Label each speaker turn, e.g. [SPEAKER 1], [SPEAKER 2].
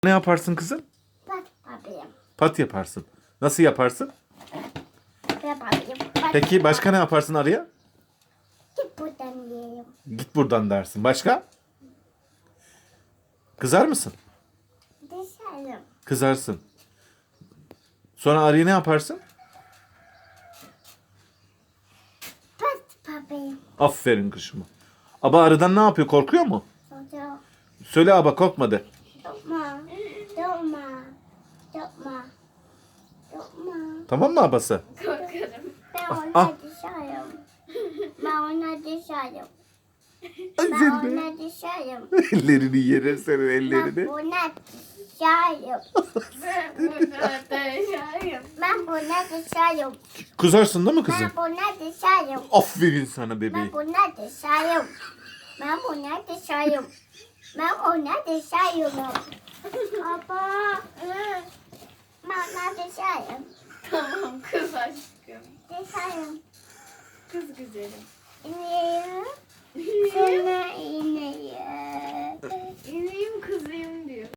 [SPEAKER 1] Ne yaparsın kızım?
[SPEAKER 2] Pat yapayım.
[SPEAKER 1] Pat yaparsın. Nasıl yaparsın?
[SPEAKER 2] Yapayım.
[SPEAKER 1] Peki başka ne yaparsın arıya?
[SPEAKER 2] Git buradan yiyeyim.
[SPEAKER 1] Git buradan dersin. Başka? Kızar mısın?
[SPEAKER 2] Dışarı.
[SPEAKER 1] Kızarsın. Sonra arıya ne yaparsın?
[SPEAKER 2] Pat yapayım.
[SPEAKER 1] Aferin kuşuma. Aba arıdan ne yapıyor? Korkuyor mu?
[SPEAKER 2] Sonra
[SPEAKER 1] Söyle aba korkma de.
[SPEAKER 2] yapma. Yapma. Yapma. Yapma.
[SPEAKER 1] Tamam mı abası?
[SPEAKER 2] Ben
[SPEAKER 1] ah.
[SPEAKER 2] ona dışarım. Ben ona dışarım.
[SPEAKER 1] Ay
[SPEAKER 2] Ben
[SPEAKER 1] seni.
[SPEAKER 2] ona dışarım.
[SPEAKER 1] Ellerini yere senin
[SPEAKER 2] Ben
[SPEAKER 1] ellerini.
[SPEAKER 2] buna dışarım. Ben buna dışarım.
[SPEAKER 1] Kızarsın değil mi kızım?
[SPEAKER 2] Ben buna dışarım.
[SPEAKER 1] Aferin sana bebeğim.
[SPEAKER 2] Ben buna dışarım. Ben buna dışarım. Ben ona dışarım. Baba. Ben ona dışarım.
[SPEAKER 3] Tamam kız aşkım.
[SPEAKER 2] Dışarım.
[SPEAKER 3] Kız güzelim.
[SPEAKER 2] Niye? Sana